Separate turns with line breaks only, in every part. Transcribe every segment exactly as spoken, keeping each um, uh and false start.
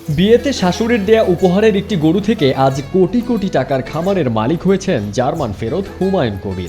বিয়েতে শাশুড়ির দেয়া উপহারের একটি গরু থেকে আজ কোটি কোটি টাকার খামারের মালিক হয়েছেন জার্মান ফেরত হুমায়ুন কবির।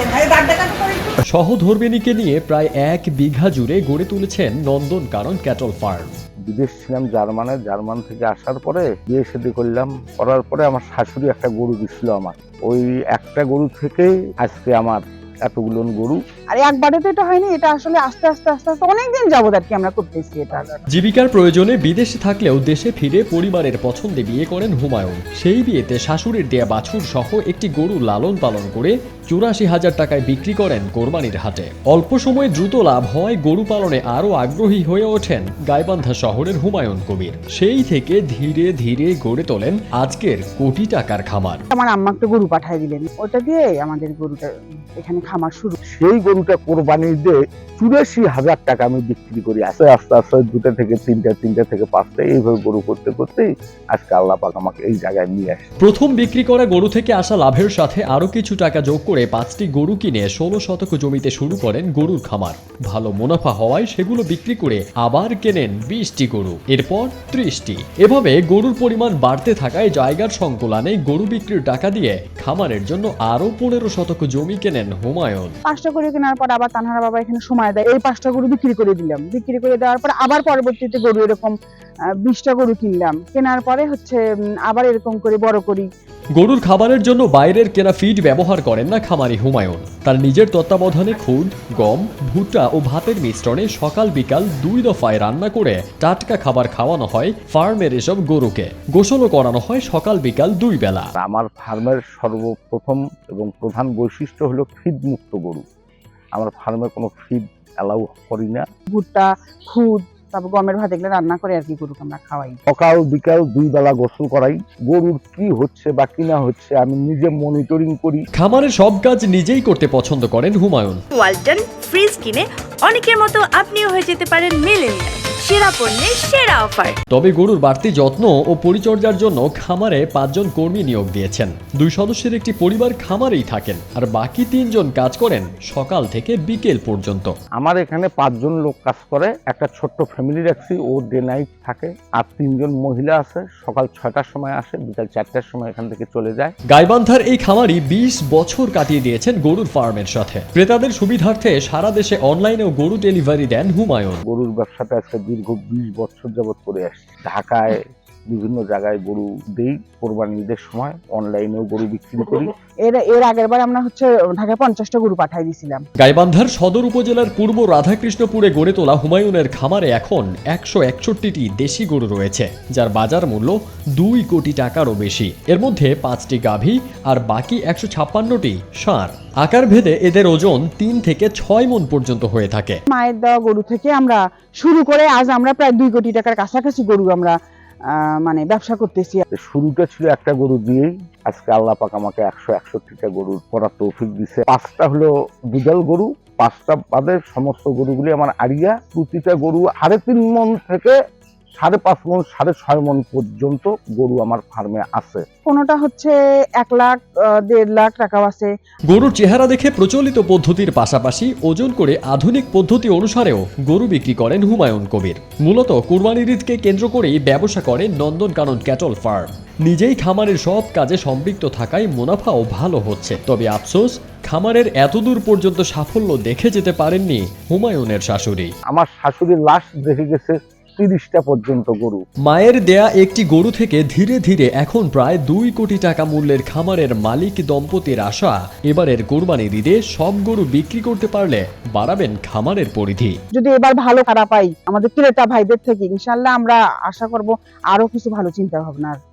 সহধর্মিণীকে নিয়ে প্রায় এক বিঘা জুড়ে গড়ে তুলেছেন নন্দনকানন ক্যাটল ফার্ম।
বিদেশ ছিলাম জার্মানে, জার্মান থেকে আসার পরে বিয়ে শাদী করলাম, করার পরে আমার শাশুড়ি একটা গরু দিছিল আমার, ওই একটা গরু থেকেই আজকে আমার এতগুলো গরু।
আর একবারে তো এটা হয়নি, এটা আসলে আস্তে আস্তে আস্তে আস্তে অনেকদিন যাবত আর কি আমরা করতেছি এটা।
জীবিকার প্রয়োজনে বিদেশে থাকলেও দেশে ফিরে পরিবারের পছন্দে বিয়ে করেন হুমায়ুন। সেই বিয়েতে শাশুড়ির দেয়া বাছুর সহ একটি গরু লালন পালন করে চুরাশি হাজার টাকায় বিক্রি করেন কোরবানির হাটে। অল্প সময়ে দ্রুত লাভ হয় গরু পালনে আরও আগ্রহী হয়ে ওঠেন গাইবান্ধা শহরের হুমায়ুন কবির। সেই থেকে ধীরে ধীরে গড়ে তোলেন আজকের কোটি টাকার খামার।
আমার আম্মা একটা গরু পাঠিয়ে দিলেন, ওটা দিয়ে আমাদের গরুটা এখানে খামার শুরু।
সেই গরুটা কোরবানি দিয়ে চুরাশি হাজার টাকা আমি বিক্রি করি। আস্তে আস্তে আস্তে দুটা থেকে তিনটা, তিনটা থেকে পাঁচটা, এইভাবে গরু করতে করতেই আজকে আল্লাহ পাক আমাকে এই জায়গায় নিয়ে আসে।
প্রথম বিক্রি করা গরু থেকে আসা লাভের সাথে আরো কিছু টাকা যোগ করে পাঁচটি গরু কিনে ষোলো শতক জমিতে শুরু করেন গরুর খামার। ভালো মুনাফা হওয়ায় সেগুলো বিক্রি করে আবার কেনেন বিশটি গরু, এরপর ত্রিশটি। এভাবে গরুর পরিমাণ বাড়তে থাকায় জায়গার সংকুলানে গরু বিক্রির টাকা দিয়ে খামারের জন্য আরো পনেরো শতক জমি কেনেন হুমায়ুন।
পাঁচটা গরু কেনার পর আবার তানহারা বাবা এখানে সময় দেয়, এই পাঁচটা গরু বিক্রি করে দিলাম। বিক্রি করে দেওয়ার পর আবার পরবর্তীতে গরু এরকম বিশটা গরু কিনলাম, কেনার পরে হচ্ছে আবার এরকম করে বড় করি।
গরুর খাবারের জন্য বাইরের কেনা ফিড ব্যবহার করেন না খামারি হুমায়ুন। তার নিজের তত্ত্বাবধানে খুদ, গম, ভুট্টা ও ভাতের মিশ্রণে সকাল বিকাল দুই দফায় রান্না করে টাটকা খাবার খাওয়ানো হয় ফার্মের এসব গরুকে। গোসলও করানো হয় সকাল বিকাল দুই বেলা।
আমার ফার্মের সর্বপ্রথম এবং প্রধান বৈশিষ্ট্য হলো ফিড মুক্ত গরু। আমার ফার্মে কোনো ফিড অ্যালাউ করি না।
ভুট্টা, খুদ, তারপর গমের ভাত এগুলো রান্না করে আর কি গরুকে আমরা খাওয়াই।
সকাল বিকাল দুই বেলা গোসল করাই। গরুর কি হচ্ছে বা কি না হচ্ছে আমি নিজে মনিটরিং করি।
খামারের সব কাজ নিজেই করতে পছন্দ করেন হুমায়ুন।
ওয়ালটন ফ্রিজ কিনে অনেকের মতো আপনিও হয়ে যেতে পারেন মিলেনিয়াল। সেরা পণ্যের সেরা অফার।
তবে গরুর বাড়তি যত্ন ও পরিচর্যার জন্য খামারে পাঁচজন কর্মী নিয়োগ দিয়েছেন। দুই সদস্যের একটি পরিবার খামারেই থাকেন, আর বাকি তিনজন কাজ করেন সকাল থেকে বিকেল পর্যন্ত।
আমার এখানে পাঁচজন লোক কাজ করে, একটা ছোট্ট ফ্যামিলি রাখছি, ও ডে নাইট থাকে। আর তিনজন মহিলা আছে, সকাল ছয়টার সময় আসে, বিকাল চারটার সময় এখান থেকে চলে যায়।
গাইবান্ধার এই খামারি বিশ বছর কাটিয়ে দিয়েছেন গরুর ফার্মের সাথে। ক্রেতাদের সুবিধার্থে সারা দেশে অনলাইনেও গরু ডেলিভারি দেন হুমায়ুন।
গরুর ব্যবসাটা আজকে দীর্ঘ বিশ বছর যাবৎ করে আসছি। ঢাকায় বিভিন্ন জায়গায় গরু দেই, কোরবানি ঈদের সময় অনলাইনেও গরু বিক্রি করি।
এর এর আগের বার আমরা হচ্ছে ঢাকায় পঞ্চাশটা গরু পাঠাই দিয়েছিলাম।
গাইবান্ধার সদর উপজেলার পূর্ব রাধাকৃষ্ণপুরে গড়ে তোলা হুমায়ুনের খামারে এখন একশো একষট্টিটি দেশি গরু রয়েছে, যার বাজার মূল্য দুই কোটি টাকারও বেশি। এর মধ্যে পাঁচটি গাভী আর বাকি একশো ছাপ্পান্নটি ষাঁড়। আকার ভেদে এদের ওজন তিন থেকে ছয় মণ পর্যন্ত হয়ে থাকে।
মায়ের দেওয়া গরু থেকে আমরা শুরু করে আজ আমরা প্রায় দুই কোটি টাকার কাছাকাছি গরু আমরা মানে ব্যবসা করতেছি।
শুরুটা ছিল একটা গরু দিয়েই, আজকে আল্লাহ পাক আমাকে একশো একষট্টিটা গরু করার তৌফিক দিছে। পাঁচটা হলো দুধাল গরু, পাঁচটা বাদে সমস্ত গরুগুলি আমার আড়িয়া। প্রতিটা গরু সাড়ে তিন মণ থেকে সাড়ে পাঁচ মণ, সাড়ে ছয় মণ পর্যন্ত গরু আমার ফার্মে আছে।
কোনোটা হচ্ছে এক লাখ দেড় লাখ টাকাও আছে।
গরুর চেহারা দেখে প্রচলিত পদ্ধতির পাশাপাশি ওজন করে আধুনিক পদ্ধতি অনুসারেও গরু বিক্রি করেন হুমায়ুন কবির। মূলত কুরবানির ঈদকে কেন্দ্র করেই ব্যবসা করেন নন্দনকানন ক্যাটল ফার্ম। নিজেই খামারের সব কাজে সম্পৃক্ত থাকায় মুনাফাও ভালো হচ্ছে। তবে আফসোস, খামারের এতদূর পর্যন্ত সাফল্য দেখে যেতে পারেননি হুমায়ুনের শাশুড়ি।
আমার শাশুড়ির লাশ দেখে গেছে তিরিশটা পর্যন্ত গরু।
মায়ের দেয়া একটি গরু থেকে ধীরে ধীরে এখন প্রায় দুই কোটি টাকা মূল্যের খামারের মালিক দম্পতির আশা, এবারের কোরবানির ঈদে সব গরু বিক্রি করতে পারলে বাড়াবেন খামারের পরিধি।
যদি এবার ভালো খারাপ পাই আমাদের ক্রেতা ভাইদের থেকে, ইনশাল্লাহ আমরা আশা করব আরো কিছু ভালো চিন্তা ভাবনার।